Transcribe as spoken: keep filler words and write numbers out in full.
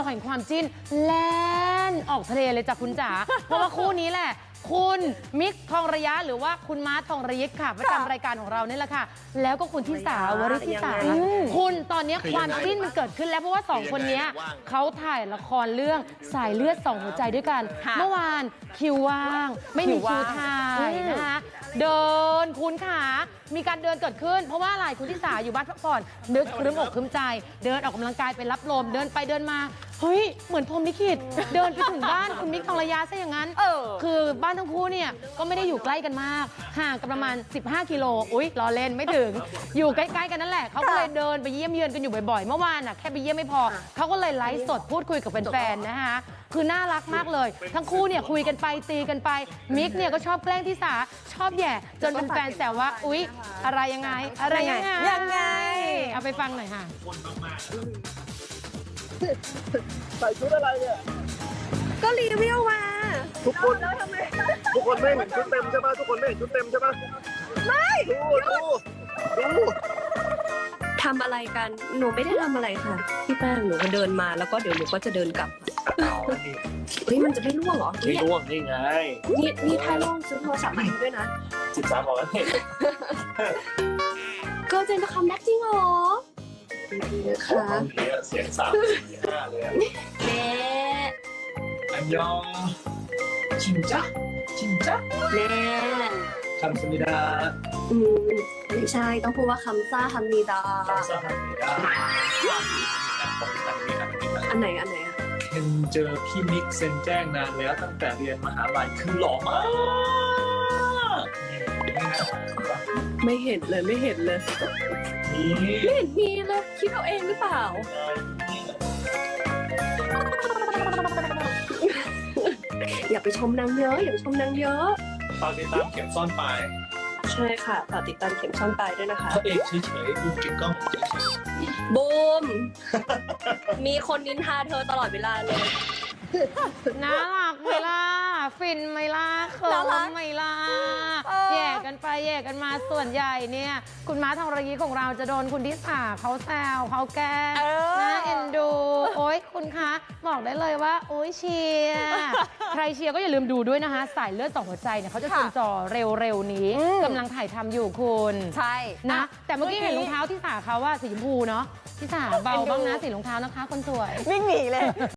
แห่งความจิ้นแล่นออกทะเลเลยจากคุณจ๋า เพราะว่าคู่นี้แหละคุณมิกทองระยะหรือว่าคุณมาร์ททองระยิกค่ะประจำรายการของเรานี่แหละค่ะแล้วก็คุณทิสาวริธิสาคุณตอนนี้ความจิ้นมันเกิดขึ้นแล้วเพราะว่าสองคนนี้เขาถ่ายละครเรื่องสายเลือดสองหัวใจด้วยกันเมื่อวานคิวว่างไม่มีคิวถ่ายนะคะเดินคุณขามีการเดินเกิดขึ้นเพราะว่าอะไรคุณทิสาอยู่บ้านพักผ่อนนึกครึ้มอกครึ้มใจเดินออกกำลังกายไปรับลมเดินไปเดินมาเฮ้ยเหมือนพรหมลิขิตเดินไปถึงบ้านคุณมิกทองระยะซะอย่างนั้นคือบ้านทั้งคู่เนี่ยก็ไม่ได้อยู่ใกล้กันมากห่างกันประมาณสิบห้ากิโลอุ๊ยล้อเล่นไม่ถึงอยู่ใกล้ๆกันนั่นแหละเขาก็เลยเดินไปเยี่ยมเยือนกันอยู่บ่อยๆเมื่อวานน่ะแค่ไปเยี่ยมไม่พอเขาก็เลยไลฟ์สดพูดคุยกับแฟนๆนะคะคือน่ารักมากเลยทั้งคู่เนี่ยคุยกันไปตีกันไปมิกเนี่ยก็ชอบแกล้งทิสาชอบแย่จนเป็นแฟนแซวว่าอุ๊ยอะไรยังไงอะไรยังไงยังไงเอาไปฟังหน่อยค่ะใส่ชุดอะไรเนี่ยก็รีวิวมาทุกคนทุกคนไม่เห็นชุดเต็มใช่ไหมทุกคนไม่เห็นชุดเต็มใช่ไหมไม่ดูดูดูทำอะไรกันหนูไม่ได้ทำอะไรค่ะพี่แป้งหนูก็เดินมาแล้วก็เดี๋ยวหนูก็จะเดินกลับเฮ้ยมันจะไม่ร่วงเหรอไม่ร่วงนี่ไงนี่นี่ถ้าร่วงซื้อโทรศัพท์มาด้วยนะสิบสามบอกแล้วเนี่ยก็เจนจะคัมแบ็กจริงเหรอค่ะเสียงสามสี่ห้าเลยเน่อันยองชิมจ๊ะชิมจ๊ะเน่คำสมิดาอืมไม่ใช่ต้องพูดว่าคำซ่าคำมีดาคำซ่าคำมีดาอันไหนอันไหนอะเคนเจอพี่มิกเซนแจ้งนานแล้วตั้งแต่เรียนมหาลัยคือหล่อมากไม่เห็นเลยไม่เห็นเลยไม่เห็นมีเลยคิดเอาเองหรือเปล่าอย่าไปชมนางเยอะอย่าไปชมนางเยอะฝากติดตามเข็มซ่อนปลายใช่ค่ะฝากติดตามเข็มซ่อนปลายด้วยนะคะพระเอกเฉยๆบูมเก็บกล้องเฉยๆบูมมีคนนินทาเธอตลอดเวลาเลยน่ารักไหมล่ะฟินไหมล่ะเขินไหมล่ะแย่กันไปแย่กันมาส่วนใหญ่เนี่ยคุณม้าทองระยีของเราจะโดนคุณทิสาเขาแซวเขาแกล้งน่าเอ็นดูโอ๊ยคุณคะบอกได้เลยว่าโอ๊ยเชียร์ใครเชียร์ก็อย่าลืมดูด้วยนะคะสายเลือดสองหัวใจเนี่ยเขาจะชมจอเร็วๆนี้กำลังถ่ายทำอยู่คุณใช่นะแต่เมื่อกี้เห็นรองเท้าทิสาเขาว่าสีชมพูเนาะทิสาเบาบ้างนะสีรองเท้านะคะคนสวยวิ่งหนีเลย